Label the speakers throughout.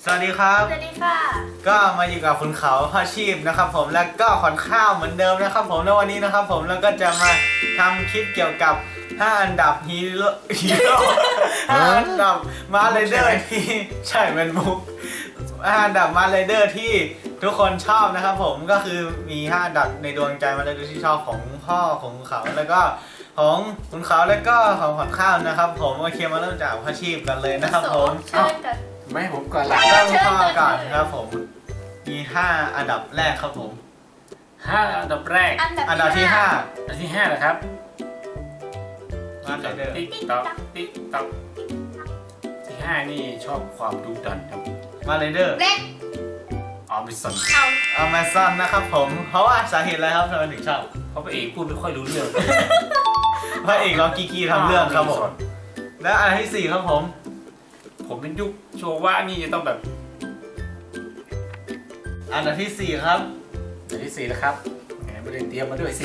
Speaker 1: สวัสดีครับ
Speaker 2: สวัสดีค่ะ
Speaker 1: ก็มาอยู่กับคุณเขาพ่อชีพนะครับผมแล้วก็ขอนข้าวเหมือนเดิมนะครับผมในวันนี้นะครับผมแล้วก็จะมาทำคลิปเกี่ยวกับ5อันดับฮีโร่5อันดับมาไรเดอร์ที่ใช่เป็นมุก5อันดับมาไรเดอร์ที่ทุกคนชอบนะครับผมก็คือมี5อันดับในดวงใจมาไรเดอร์ที่ชอบของพ่อของเขาแล้วก็ของคุณเขาแล้วก็ของขอนข้าวนะครับผมโอเคมาเริ่มจากพ่อชีพกันเลยนะครับผม
Speaker 2: เชิญกัน
Speaker 3: ไม่ให้ผมก่อนละ
Speaker 1: เริ่มข้อก่อนครับผมมี5อันดับแรกครับผม
Speaker 3: 5 อันดับแรก
Speaker 1: อันดับที่5
Speaker 3: อันที่5นะครับ
Speaker 1: มาไรเดอร์
Speaker 3: ติ๊กต๊อกติ๊กต๊อกที่5นี่ชอบความดุดันครับ
Speaker 1: มาไรเดอร์
Speaker 2: เล็ก
Speaker 3: ออมิสัน
Speaker 2: เอา
Speaker 1: Amazon นะครับผมเพราะว่าสาเหตุอะไรครับทำไมถึงชอบ
Speaker 3: เพราะพระเอกพูดไม่ค่อยรู้เรื่อง
Speaker 1: พระเอกเรากีกีทำเรื่องครับผมและอันดับที่4ครับผม
Speaker 3: ผมเป็นยุคโชว่านี่จะต้องแบบ
Speaker 1: อันดับที่4ครับ
Speaker 3: อันที่4นะครับแหมไม่ได้เตรียมมาด้วยสิ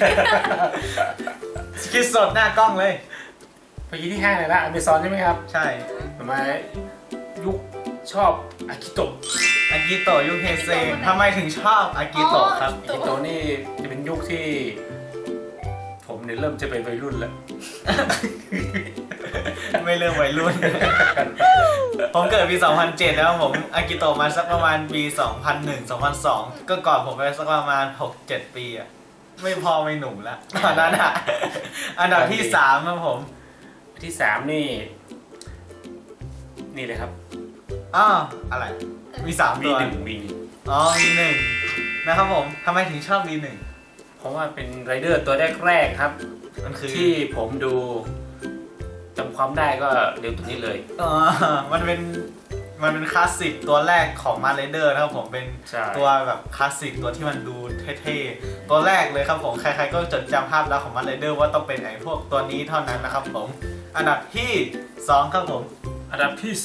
Speaker 1: คิดสดหน้ากล้องเลย
Speaker 3: เมื่อกี้ที่5เลยนะอเมซอนใช่ไหมครับ
Speaker 1: ใช่
Speaker 3: ทำไมยุคชอบอากิโตะ
Speaker 1: อากิโตะยุคเฮเซทำไมถึงชอบอากิโตะครับ
Speaker 3: อากิโตะนี่จะเป็นยุคที่ ผมเนี่ยเริ่มจะเป็นวัยรุ่นแล้ว
Speaker 1: ไม่เริ่มวัยรุ่น ผมเกิดปี 2007 แล้วผมอากิโตะมาสักประมาณปี 2001 2002 ก็ก่อนผมไปสักประมาณ 6-7 ปีอะไม่พอไม่หนุ่มแล้วตอนนั้นอะอันดับที่3ครับผม
Speaker 3: ที่3นี่เลยครับ
Speaker 1: อ้าวอะไร มี3ตัว
Speaker 3: V1
Speaker 1: อ๋อ V1 นะครับผมทำไมถึงชอบ V1
Speaker 3: เพราะว่าเป็นไรเดอร์ตัวแรกๆครับ
Speaker 1: มันคือ
Speaker 3: ที่ผมดูจำความได้ก็เร็วตัวนี้เลย
Speaker 1: อ๋อมันเป็นคลาสสิกตัวแรกของมา r เดอร์นะครับผมเป็น
Speaker 3: ใช่
Speaker 1: ตัวแบบคลาสสิกตัวที่มันดูเท่ๆตัวแรกเลยครับผมใครๆก็จดจำภาพลักษณ์ของมา r เดอร์ว่าต้องเป็นไอ้พวกตัวนี้เท่านั้นนะครับผมอันดับที่2ครับผม
Speaker 3: อันดับที่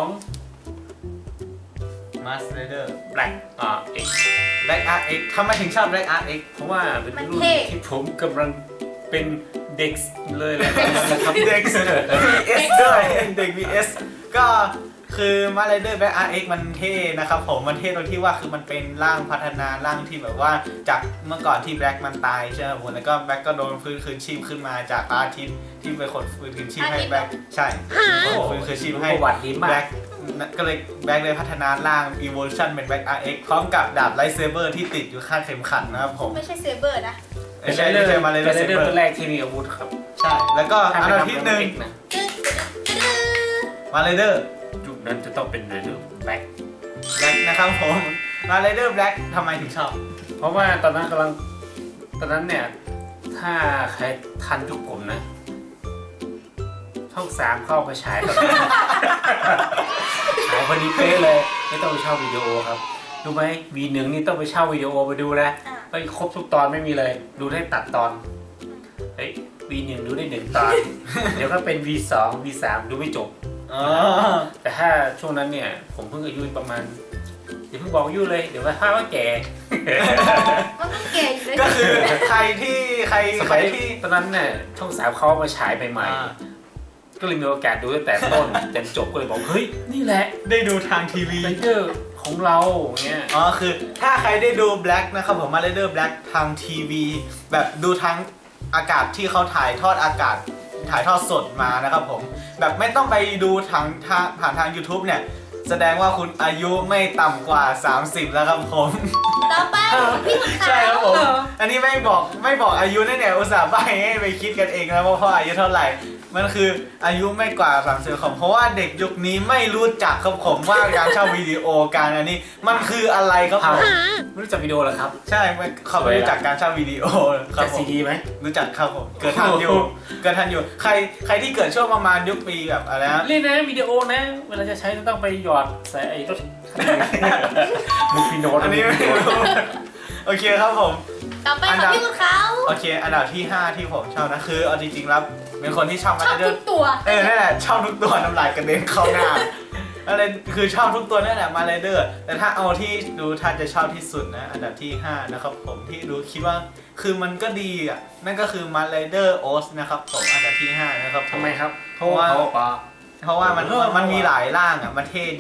Speaker 3: 2
Speaker 1: มาสเดอร์
Speaker 3: Black X
Speaker 1: Black RX ทำไมถึงชอบ Black RX
Speaker 3: เพราะว่าเป็นรุ่นที่ผมกำลังเป็นเด็กเลยแหละนะครับ
Speaker 1: เด็ก VS ด้วยเด็ก VS ก็คือมาไรเดอร์ Black RX มันเท่นะครับผมมันเท่ตรงที่ว่าคือมันเป็นร่างพัฒนาร่างที่แบบว่าจากเมื่อก่อนที่ Black มันตายใช่ไหมผมแล้วก็ Black ก็โดนฟื้นคืนชีพขึ้นมาจากอาทิตย์ที่เป็นคนฟื้นคืนชีพให้ Black ใช่ฟื้นคืนชีพให้
Speaker 3: ประวัติดีมาก
Speaker 1: Black ก็เลยแบ็คเลยพัฒนาร่าง Evolution เป็น Black RX พร้อมกับดาบไลท์เซเบอร์ที่ติดอยู่ข้างเข็มขัดนะครับผม
Speaker 2: ไม่ใช่เซเบอร์นะ
Speaker 1: ไม่ใช่ไม่ใช่มาเลย
Speaker 3: เป็น
Speaker 1: เซ
Speaker 3: ไรเดอ
Speaker 1: เบอ
Speaker 3: ร์ตัว
Speaker 1: ร์
Speaker 3: แรกที่มีอาวุธครับ
Speaker 1: ใช่ แล้วก็อันดับที่
Speaker 3: ถ้าเป็น
Speaker 1: 1
Speaker 3: นะ
Speaker 1: มาไรเดอร์
Speaker 3: ยุคนั้นจะต้องเป็นไรเดอร์ Black
Speaker 1: แบล็กนะครับผมมาไรเดอร์แบล็กทำไมถึงชอบ
Speaker 3: เพราะว่าตอนนั้นเนี่ยถ้าใครทันยุคผมนะช่อง3เข้ามาฉายตอนนั้น ฉายพอดีเป๊ะเลยไม่ต้องไปเช่าวิดีโอครับรู้ไหม V1 นี่ต้องไปเช่าวิดีโอไปดูนะไปครบทุกตอนไม่มีเลย ดูได้ตัดตอนเฮ้ย V1 ดูได้1 ตอน เดี๋ยวก็เป็น V2 V3 ดูไม่จบ
Speaker 1: อ๋อ
Speaker 3: แต่ถ้าช่วงนั้นเนี่ยผมเพิ่งอายุประมาณอย่าเพิ่งบอกอายุเลยเดี๋ยวว่าแก่
Speaker 2: มันก็เก่งเลย
Speaker 1: ก็คือใครที่
Speaker 3: ส
Speaker 1: ใคร
Speaker 3: มัย
Speaker 1: ที่
Speaker 3: ตอนนั้นเนี่ยช่อง3เขามาฉายใหม่ๆก็เลยมีโอกาสดูตั้งแต่ต้นจนจบก็เลยบอกเฮ้ยนี่แหละ
Speaker 1: ได้ดูทางทีวี
Speaker 3: ไรเดอร์ของเราเนี่ย
Speaker 1: อ๋อคือถ้าใครได้ดูแบล็กนะครับผมมาไรเดอร์แบล็กทางทีวีแบบดูทางอากาศที่เขาถ่ายทอดอากาศถ่ายทอดสดมานะครับผมแบบไม่ต้องไปดูผ่านทาง YouTube เนี่ยแสดงว่าคุณอายุไม่ต่ำกว่า 30 แล้วครับผม
Speaker 2: ต่อไปพี่ขุนขาว
Speaker 1: ใช่ครับผม อันนี้ไม่บอกอายุแน่ๆอุตส่าห์ใบให้ไปคิดกันเองนะว่าพ่ออายุเท่าไหร่ มันคืออายุไม่กว่า30ของเพราะว่าเด็กยุคนี้ไม่รู้จักครับผมว่าการเช่าวิดีโอการอันนี้มันคืออะไรครับผม
Speaker 3: ไม่รู้จักวิดีโอเหรอครับ
Speaker 1: ใช่เขาไม่รู้จักการเช่าวิดีโอครับ
Speaker 3: จาก
Speaker 1: ผ
Speaker 3: ซี
Speaker 1: ม
Speaker 3: ดีไหม
Speaker 1: รู้จักครับผมเกิดทันอยู่ใครที่เกิดช่วงประมาณยุคปีแบบอะไรนะ
Speaker 3: เล่นนะวิดีโอนะเวลาจะใช้ต้องไปหยอดใส่ไอ้รถมุกพีโน
Speaker 1: อันนี้ไม่รู้โอเคครับผม
Speaker 2: ต่อไปของพี่ขุนขาว
Speaker 1: โอเคอันดับที่ 5 ที่ผมชอบนะคือเอาจริงๆแล้วเป็นคนที่ชอบมา
Speaker 2: ชอบ
Speaker 1: เดอ
Speaker 2: ทุ
Speaker 1: ร์
Speaker 2: กตัว
Speaker 1: นั่นแหละชอบทุกตัวน้ำลายกระเด็นเข้าหน้าอะไรคือชอบทุกตัวนั่นแหละมาไรเดอร์แต่ถ้าเอาที่ดูถ้าจะชอบที่สุดนะอันดับที่5นะครับผมที่ดูคิดว่าคือมันก็ดีอ่ะนั่นก็คือมาไรเดอร์โอสนะครับผมอันดับที่5นะครับ
Speaker 3: ทำไมครับ
Speaker 1: เพราะว่ามันมีหลายร่างอ่ะมันเท่ดี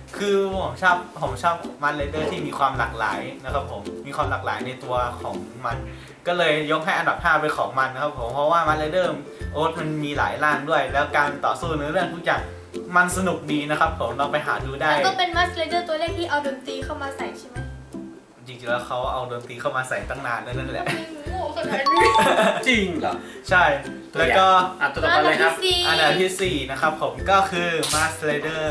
Speaker 1: คือผมชอบมันไรเดอร์ที่มีความหลากหลายนะครับผมมีความหลากหลายในตัวของมัน ก็เลยยกให้อันดับ5เป็นของมันนะครับผมเพราะว่ามันไรเดอร์โอ๊ตมันมีหลายร่างด้วย แล้วการต่อสู้ในเรื่องทุกอย่างมันสนุกดีนะครับผมลองไปหาดูได้
Speaker 2: แล้วก็เป็นมัสเลเดอร์ตัวแรกที่เอาดนตรีเข้ามาใส่ใช่ไหม
Speaker 1: จริงๆแล้วเขาเอาดนตรีเข้ามาใส่ตั้งนานแล้วนั่นแหละ
Speaker 2: ไม่โง่ขนาดนี้
Speaker 3: จริงเหรอ
Speaker 1: ใช่แล้วก็
Speaker 3: ตัวต่อไปเลยครับ
Speaker 1: อันดับที่ 4 นะครับผมก็คือ Mars Rider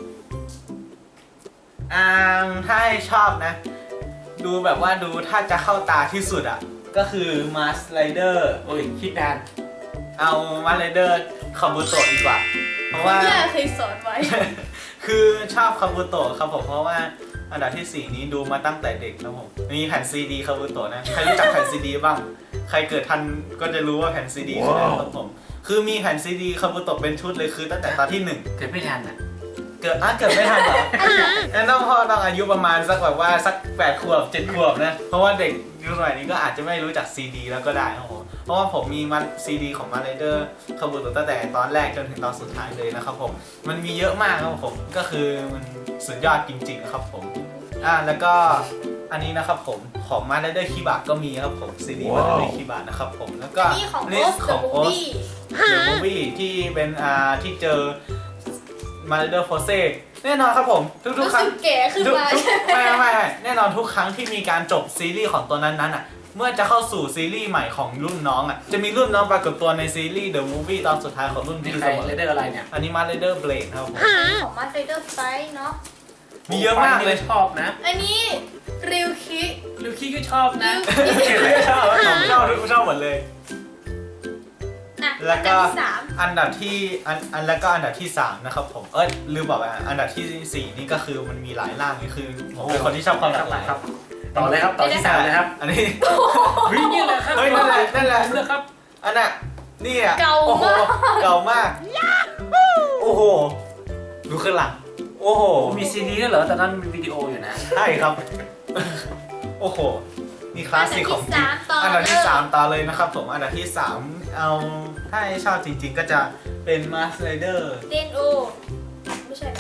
Speaker 1: ถ้าให้ชอบนะ ดูแบบว่าดูถ้าจะเข้าตาที่สุดอ่ะ ก็คือ Mars Rider
Speaker 3: โอ้ยคิดนาน
Speaker 1: เอา Mars Rider คาบุโตะดีกว่า เพราะว่า
Speaker 2: ย่าเคยสอนไว้
Speaker 1: คือชอบคาบุโตะครับผมเพราะว่าอันดับที่ 4 นี้ดูมาตั้งแต่เด็กนะผมมีแผ่นซีดีคาบุโตะนะใครรู้จักแผ่นซีดีบ้าง ใครเกิดทันก็จะรู้ว่าแผ่นซีดีคืออะไรครับผมคือมีแผ่นซีดีคาบุโตะเป็นชุดเลยคือตั้งแต่ตอนที่ 1
Speaker 3: เกิดไม่ทันอ่ะ
Speaker 1: เกิดไม่ทันเหรอ งั้นต้องอายุประมาณสักแบบว่าสัก8 ขวบ 7 ขวบนะเพราะว่าเด็กยุคสมัยนี้ก็อาจจะไม่รู้จักซีดีแล้วก็ได้ครับผมเพราะว่าผมมีมันซีดีของมาเลเดอร์คาบุโตะตั้งแต่ตอนแรกจนถึงตอนสุดท้ายเลยนะครับผมมันมีเยอะมากครับผมก็คือมันสุดยอดจริงๆนะครับผมแล้วก็อันนี้นะครับผมของมาเลเดอร์คิบะก็มีครับผมซีดีมาเลเดอร์คิบะนะครับผมแล้วก็
Speaker 2: นี่ของ
Speaker 1: ลิส
Speaker 2: Ghost
Speaker 1: ต์ข
Speaker 2: the
Speaker 1: องโอ๊ต
Speaker 2: Movie
Speaker 1: เดอะมูฟวี่ที่เป็นที่เจอมาเลเดอร์โฟเซแน่นอนครับผมทุก
Speaker 2: รู้
Speaker 1: ๆครั้
Speaker 2: สึ
Speaker 1: ง
Speaker 2: กแก่ขึ้นมาใช่ไหม
Speaker 1: ไม่แน่นอนทุกครั้งที่มีการจบซีรีส์ของตัวนั้นอ่ะเมื่อจะเข้าสู่ซีรีส์ใหม่ของรุ่นน้องอ่ะจะมีรุ่นน้องปรากฏตัวในซีรีส์ The Movie ตอนสุดท้ายของรุ่น
Speaker 3: นี่
Speaker 1: พี่
Speaker 3: ใคร
Speaker 1: เสมอ
Speaker 3: เลเดอร์อะไรเนี่ย
Speaker 1: อันนี้มาเลเดอร์เบลดครับผม
Speaker 2: ของมัสเลเดอร์ไฟเนาะ
Speaker 1: มีเยอะมากเลย
Speaker 3: ชอบนะ
Speaker 2: อันนี้ริวคิ
Speaker 3: ลูกี้ก็ชอบนะ
Speaker 1: ชอบชอบหมดเลย
Speaker 2: อ่ะ
Speaker 1: แล้วก็
Speaker 2: อันดับที่
Speaker 1: แล้วก็อันดับที่ 3 นะครับผมลืมบอกไปอันดับที่ 4 นี่ก็คือมันมีหลายร่างนี่คือผมเป็นคนที่ชอบความหลากหลาย
Speaker 3: ครับ ต่อเลยครับ ต่อที่3เลยครับ
Speaker 1: อันนี้
Speaker 3: วิ่งนี่แหละครับ
Speaker 1: เฮ้ยนั่นแหละ
Speaker 3: เลือกครับ
Speaker 1: อันน่ะนี่อ่ะ
Speaker 2: เก่า
Speaker 1: โอ้โห
Speaker 2: มาก
Speaker 1: เก่ามาก โอ้โห ดูข้างหลัง โอ้โห
Speaker 3: มีซีดีด้วยเหรอตอนนั้นมีวิดีโออยู่นะ
Speaker 1: ใช่ครับ โอ้โห นี่คลาสสิกของจริง
Speaker 2: อั
Speaker 1: อั
Speaker 2: น
Speaker 1: น
Speaker 2: ดั
Speaker 1: ดั
Speaker 2: บบ ที่
Speaker 1: ที่
Speaker 2: 3
Speaker 1: 3 ต่อเลยนะครับผม อันดับที่ 3 เอาถ้าให้ชอบจริงๆ ก็จะเป็น Mars Rider
Speaker 2: เดนโอไม่ใช่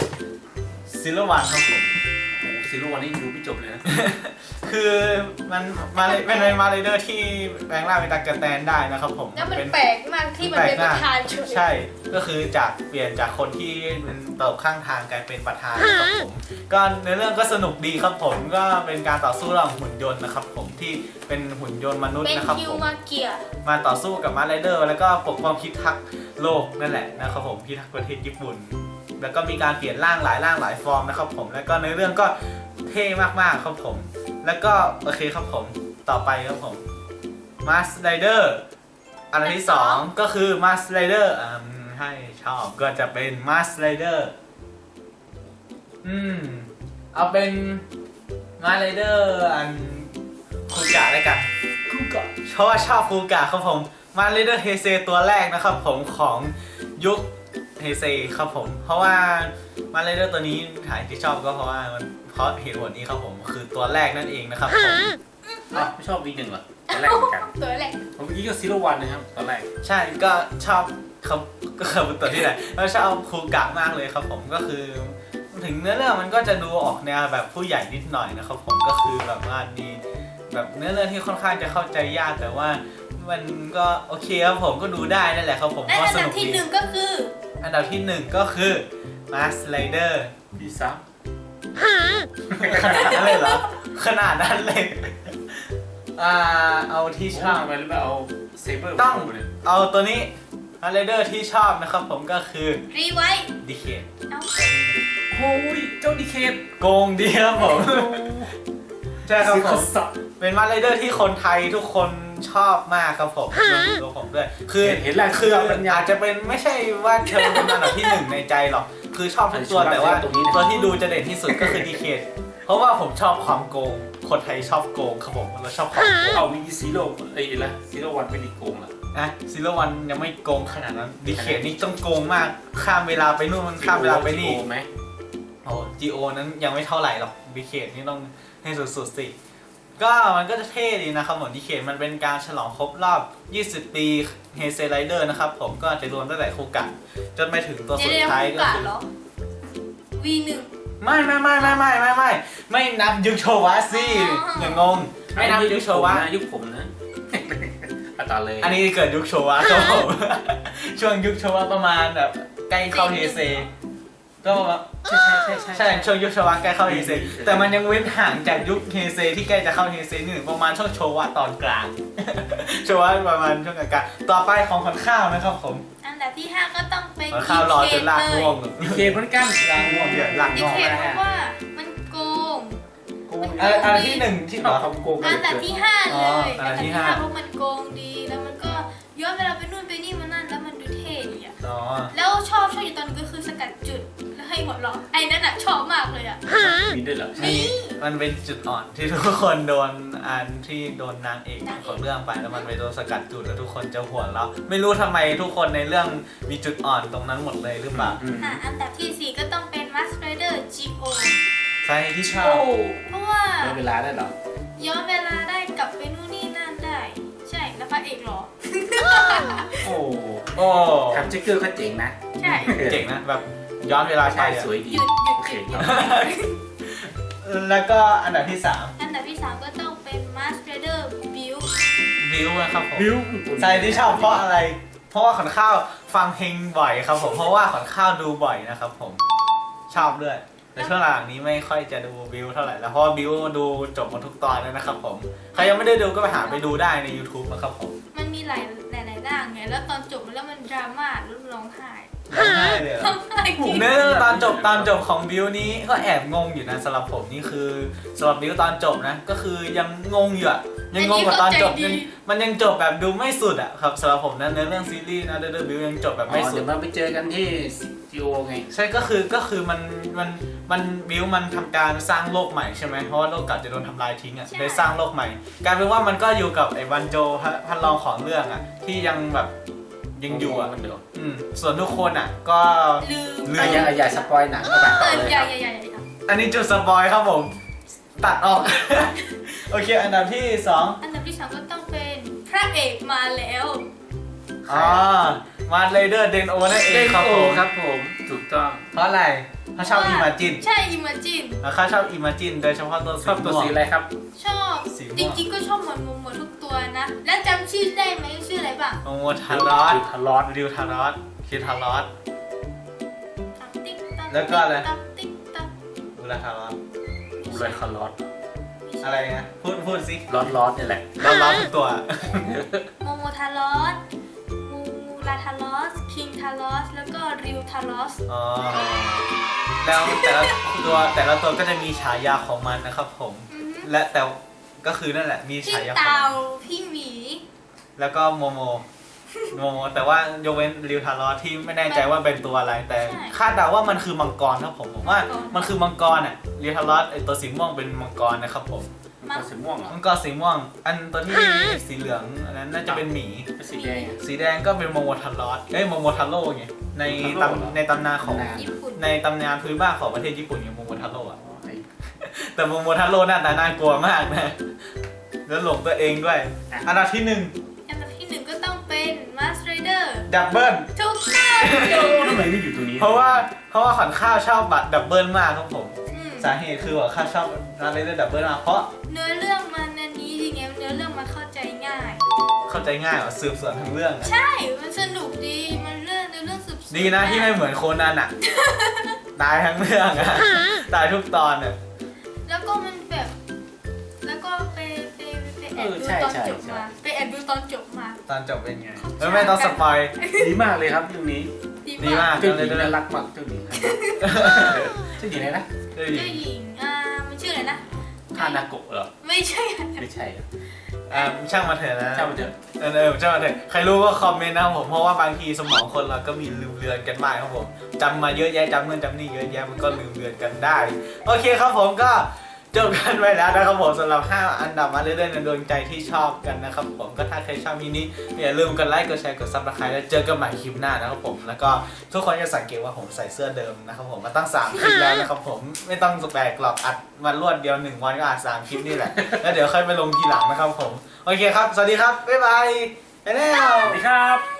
Speaker 1: Zero One ครับผม
Speaker 3: โอ้ซีรีส์วันนี้ดูไม่จบเลยนะ
Speaker 1: คือมันเป็นมาเลเดอร์ที่แปลงร่างเป็นตากระแตนได้นะครับผม
Speaker 2: แล้วมัน
Speaker 1: เป็น
Speaker 2: แปลกมากที่มันเป็นประธานเฉย
Speaker 1: ใช่ ก็คือเปลี่ยนจากคนที่เป็นตกข้างทางกลายเป็นประธานนะครับผม ก็ในเรื่องก็สนุกดีครับผม ก็เป็นการต่อสู้ระหว่างหุ่นยนต์นะครับผมที่เป็นหุ่นยนต์มนุษย์
Speaker 2: เป็น
Speaker 1: นะครับ
Speaker 2: คิว
Speaker 1: ผม
Speaker 2: มาเกีย
Speaker 1: มาต่อสู้กับมาร์ไรเดอร์แล้วก็ปกป้องพิทักษ์โลกนั่นแหละนะครับผมพิทักษ์ประเทศญี่ปุ่น แล้วก็มีการเปลี่ยนร่างหลายฟอร์มนะครับผม แล้วก็ในเรื่องก็เท่มากๆครับผม แล้วก็โอเคครับผมต่อไปครับผม Mars Rider อันดับที่ 2 ก็คือ Mars Rider ให้ชอบก็จะเป็น Mars Rider เอาเป็น Mars Rider อันคูกะแล้วกัน
Speaker 3: คู่ก่อน
Speaker 1: เพราะว่าชอบคูกะครับผม Mars Rider Heisei ตัวแรกนะครับผมของยุคเฮเซครับผม เพราะว่าMars Rider ตัวนี้ถ่ายที่ชอบก็เพราะว่าเพราะเหตุผลนี้ครับผมคือตัวแรกนั่นเองนะครับผม
Speaker 3: อ้าวไม่ชอบวีหนึ่งเหรอตอนแรกเหมือนกัน
Speaker 2: ตัวแรก
Speaker 3: ผมเมื่อกี้ก็ซีรีส์วันนะครับตอนแรก
Speaker 1: ใช่ก็ชอบเขาก็คือตัวที่ไหนแล้วชอบคูกะมากเลยครับผมก็คือ ถึงเนื้อเรื่องมันก็จะดูออกแนวแบบผู้ใหญ่นิดหน่อยนะครับผมก็คือแบบว่ามีแบบเนื้อเรื่องที่ค่อนข้างจะเข้าใจยากแต่ว่ามันก็โอเคครับผมก็ดูได้นั่นแหละครับผม
Speaker 2: และ
Speaker 1: ก็
Speaker 2: อัน
Speaker 1: ส
Speaker 2: ดับ
Speaker 1: นุก
Speaker 2: ที่
Speaker 1: ดี
Speaker 2: 1ก็คือ
Speaker 1: อันดับที่ 1 ก็คือ Mars Rider
Speaker 3: พี่สาม
Speaker 1: ขนาดนั้นเลยเหรอขนาดนั้นเลยเอาที่ช
Speaker 3: ชอ
Speaker 1: อ
Speaker 3: บบ ไปหรือเปล่าเอาเซเบอร์
Speaker 1: ต้อง
Speaker 3: เลย
Speaker 1: เอาตัวนี้ Mars Rider ที่ชอบนะครับผมก็คือ
Speaker 2: รีไวท์
Speaker 1: ดีเค
Speaker 2: เอ้า
Speaker 3: โอ้ยเจ้าดีเคท
Speaker 1: โกงดีครับผม ใช่ครับผม
Speaker 3: สับ
Speaker 1: เป็นมาร์ไรเดอร์ที่คนไทยทุกคนชอบมากครับผมรวมถึงตัวผมด้วย คือ
Speaker 3: เห็นแหละ
Speaker 1: คืออาจจะเป็นไม่ใช่ว่าเธอเป็นอันดับที่ 1 ในใจหรอก คือชอบทุกตัวแต่ว่าตัวที่ดูจะเด่นที่สุดก็คือดีเคทเพราะว่าผมชอบความโกง คนไทยชอบโกงครับผมเราชอบความโกง
Speaker 3: เอามีซีโร่ไอ้ละซีโร่วันเป็นอีกโกงละ
Speaker 1: นะซิลวันยังไม่โกงขนาดนั้นดีเคทนี่ต้องโกงมากข้ามเวลาไปนู่นมันข้ามเวลาไปนี่
Speaker 3: ไหม
Speaker 1: โอ้จีโอนั้นยังไม่เท่าไหร่หรอกดีเคทนี่ต้องให้สุดๆสิ ก็มันก็จะเท่ดีนะครับผมดีเคทมันเป็นการฉลองครบรอบ 20 ปีเฮเซไรเดอร์นะครับผมก็จะรวมตั้งแต่คูกะจนไปถึงตัวสุดท้ายก็คือ
Speaker 2: เหรอ V1
Speaker 1: ไม่นับยุคโชวะสิอย่างงงไม่นับยุคโชวะ
Speaker 3: ยุคผมนะเอาต่อเลย
Speaker 1: อันนี้เกิดยุคโชวะครับผม ช่วงยุคโชวะประมาณแบบใกล้เข้าเฮเซก็ใช่ช่วงยุคโชวะใกล้เข้าเฮเซแต่มันยังเว้นห่างจากยุคเฮเซที่ใกล้จะเข้าเฮเซนี่ประมาณช่วงโชวะตอนกลาง โชวะประมาณช่วงกลางต่อไปของขวัญข้าวนะครับผม
Speaker 2: อันดับที่ 5 ก็ต้องเป็น
Speaker 1: ขวัญข้าวรอจนลากง่วง
Speaker 3: ดีเคเหมือนกัน
Speaker 1: ลากง่วงเดี๋ยวลาก
Speaker 2: ดี
Speaker 1: ง่วง
Speaker 2: เคเพราะว่ามันโกง
Speaker 1: อันที่หนึ่งที่เหรอ
Speaker 3: เขาโกง
Speaker 2: อันดับที่ 5 เลย
Speaker 1: อันดับที่
Speaker 2: เพ
Speaker 1: ห้า
Speaker 2: ราะมันโกงดีแล้วมันก็ย้อนเวลาไปนู่นไปนี่มานั่นแล้วมันดูเท่ดีอะ
Speaker 1: อ๋อ
Speaker 2: แล้วชอบอยู่ตอนนึงก็คือสกัดจุดแล้วให้หัวเราะไอ้นั่นอะชอบมากเลยอะ
Speaker 3: มีด้วยเหรอ
Speaker 1: นี่มันเป็นจุดอ่อนที่ทุกคนโดนอันที่โดนนางเอกของเรื่องไปแล้วมันไปโดนสกัดจุดแล้วทุกคนจะหัวเราะไม่รู้ทำไมทุกคนในเรื่องมีจุดอ่อนตรงนั้นหมดเลยหรือเปล่า
Speaker 2: อันดับที่ 4 ก็ต้องเป็น Mask Rider G.O.
Speaker 1: สาเหตุที่ชอบ
Speaker 2: เพราะว่า
Speaker 3: ได้เวลาได้เหรอ
Speaker 2: ย้อนเวลาได้กลับไปนู่นนี่นั่นได้ ใช่แล้วพระเอกเหรอ
Speaker 3: โอ้
Speaker 1: โอ้
Speaker 3: ทำจิ๊กเกอร์เขาเจ๋งนะ
Speaker 2: ใช่
Speaker 1: เจ๋งนะแบบย้อนเวลาไป
Speaker 3: ใช่
Speaker 1: อะ
Speaker 3: สวยดี
Speaker 2: หยุด
Speaker 3: โอเคครับ
Speaker 1: แล้วก็อันดับที่
Speaker 2: อันดับที่ 3 ก็ต้องเป็น Mask Rider Build
Speaker 1: 3บิวนะครับผม
Speaker 3: บิว
Speaker 1: สาเหตุที่ชอบเพราะอะไร เพราะว่าขวัญข้าวฟังเพลงบ่อยครับผมเพราะว่าขวัญข้าวดูบ่อยนะครับผมชอบด้วยแต่ช่วงหลังนี้ไม่ค่อยจะดูบิวเท่าไหร่แล้วเพราะว่าบิวดูจบหมดทุกตอนแล้วนะครับผมใครยังไม่ได้ดูก็ไปหาไปดูได้ใน YouTube นะครับผม
Speaker 2: มันมีหลายร่างไง แล้วตอนจบแล้วมันดราม่าแล้วร้องไห้
Speaker 1: ร้องไห้เลยเหรอ
Speaker 2: ร้องไห้จริง
Speaker 1: เนื้อตอนจบของบิวนี้ก็แอบงงอยู่นะสำหรับผมนี่คือสำหรับบิวตอนจบนะก็คือยังงงอยู่อะยังงงกว่าตอนจบมันยังจบแบบดูไม่สุดอะครับสำหรับผมนะในเรื่องซีรีส์นะเดอะบิวยังจบแบบไม่สุ
Speaker 3: เดี๋
Speaker 1: ด
Speaker 3: ยวมาไปเจอกันที่จีโอไง
Speaker 1: ใช่ก็คือมันบิวมันทำการสร้างโลกใหม่ใช่ไหมเพราะว่าโลกเก่าจะโดนทำลายทิ้งอะเลยสร้างโลกใหม่กลายเป็นว่ามันก็อยู่กับไอ้วันโจพันรองของเรื่องอะที่ยังแบบยังอยู่อะ
Speaker 3: มันเดี๋ยว
Speaker 1: ส่วนทุกคนอะก็
Speaker 2: ลืม
Speaker 1: ลืม
Speaker 3: อย่าสปอยหนังก็แบบต่อเลย
Speaker 2: อย่า
Speaker 1: อันนี้จุดสปอยครับผม ตัดออก โอเค อันดับที่ 2
Speaker 2: อันดับที่ 3 ก็ต้องเป็นพระเอกมาแล้ว
Speaker 1: อ๋อมาเลเดอร์เดนโอนั่นเอ
Speaker 3: เล่
Speaker 1: ง
Speaker 3: น
Speaker 1: ครับ
Speaker 3: โอ
Speaker 1: ผม
Speaker 3: ครับผมถูกต้อง
Speaker 1: เพราะอะไรเขาชอบอิมาจิน
Speaker 2: ใช่ Imagine
Speaker 1: เขาชอบอิมาจินโดยเฉพาะตัว
Speaker 3: ชอบตัวสีอะไรครับ
Speaker 2: ชอบ
Speaker 1: สีม่วง
Speaker 2: จริงๆก็ชอบหมดทุกตัวนะ แล้วจำชื่อได้ไหมชื่ออะไรบ้าง
Speaker 1: โมโมทารอส
Speaker 3: ทารอส
Speaker 1: ริวทารอสคิดทารอส
Speaker 2: ตับติ๊กตับ
Speaker 1: แล้วก็อะไร
Speaker 2: ตับติ๊กตับ
Speaker 1: อุลาทารอส
Speaker 3: เลยคารอส
Speaker 1: อะไรนะพูดสิ
Speaker 3: ร้อนนี่แหละ
Speaker 1: ร้อนทุกตัว
Speaker 2: โมโมทารอสมูลาทารอส คิงทารอส แล้วก็ริวทารอส
Speaker 1: อ๋อ แล้วแต่ละตัวก็จะมีฉายาของมันนะครับผม และแต่ก็คือนั่นแหละมี
Speaker 2: พี่
Speaker 1: ฉายาของ
Speaker 2: เตา
Speaker 1: มัน
Speaker 2: พี่หมี
Speaker 1: แล้วก็โมโมแต่ว่ายกเว้นริวทารอสที่ไม่แน่ใจว่าเป็นตัวอะไร แต่คาดเดาว่ามันคือมังกรครับผมว่ามันคือมังกรอ่ะริวทารอสไอตัวสีม่วงเป็นมังกรนะครับผม
Speaker 3: มันสีม่วงเหรอ
Speaker 1: มังกรสีม่วง อันตัวที่สีเหลืองอันนั้นน่าจะเป็นหมี
Speaker 3: เป็นสีแดง
Speaker 1: สีแดงก็เป็นโมโมทารอสโมโมทาโร่ไงในตำนานของ
Speaker 2: ญี่ปุ่น
Speaker 1: ในตำนานพื้นบ้านของประเทศญี่ปุ่นอย่างโมโมทาโร่อะแต่โมโมทาโร่หน้าตาน่ากลัวมากนะแล้วหลงตัวเองด้วย อันดับที่
Speaker 2: อันดับที่ 1 ก็ต้องเป็น Mask Rider
Speaker 1: 1ดับเบิล
Speaker 2: ถูกต้อง
Speaker 3: ทำไมไม่อยู่ตรงนี้
Speaker 1: เพราะว่าขวัญข้าวชอบบัตรดับเบิลมากครับผม
Speaker 2: อืม
Speaker 1: สาเหตุคือว่าข้าวชอบอะไรเรื่องดับเบิลมากเพราะ
Speaker 2: เนื้อเรื่องมันอันนี้จริงๆเนื้อเรื่องมันเข้าใจง่าย
Speaker 1: เข้าใจง่ายกว่าสืบสวนทั้งเรื่องอะ
Speaker 2: ใช่ มันสนุกดี มันเรื่องสืบสวน
Speaker 1: ดีนะที่ไม่เหมือนโคนันอะตายทั้งเรื่องอะตายทุกตอนอะ
Speaker 2: แล้วก็มันแบบ แล้วก็ไปแอบดูตอนจบมา ไปแอบดูตอนจบมา
Speaker 1: ตอนจบเป็นไงไม่ต้องสปอย
Speaker 3: ดีมากเลยครับเรื่องนี้
Speaker 1: ดีมาก
Speaker 3: เจ้าหญิงน่ารักมากเจ้าหญิงเจ้าหญิงอะไรนะ
Speaker 1: เฮ้ย
Speaker 2: เจ้าหญิง มันชื่ออะไรนะ
Speaker 3: คานาโกะเหรอ
Speaker 2: ไม่ใช่
Speaker 3: ไม่ใช่
Speaker 1: ช่างมาเถอะนะ
Speaker 3: เจ้ามันเถอะ
Speaker 1: ช่างมาเถอะใครรู้ก็คอมเมนต์นะครับผมเพราะว่าบางทีสมองคนเราก็มีลืมเลือนกันบ้างครับผมจำมาเยอะแยะจำนู่นจำนี่เยอะแยะมันก็ลืมเลือนกันได้โอเคครับผมก็จบกันไปแล้วนะครับผมสำหรับ5อันดับมาเรื่อยๆในดวงใจที่ชอบกันนะครับผมก็ถ้าใครชอบมินิอย่าลืมกดไลค์กดแชร์กดซับสไครต์แล้วเจอกันใหม่คลิปหน้านะครับผมแล้วก็ทุกคนจะสังเกตว่าผมใส่เสื้อเดิมนะครับผมมาตั้ง3คลิปแล้วนะครับผมไม่ต้องแปลกหรอกอัดมารวดเดียว1วันก็อัด3คลิปนี่แหละแล้วเดี๋ยวค่อยไปลงทีหลังนะครับผมโอเคครับสวัสดีครับบ๊ายบายไปแล้ว
Speaker 3: สวัสดีครับ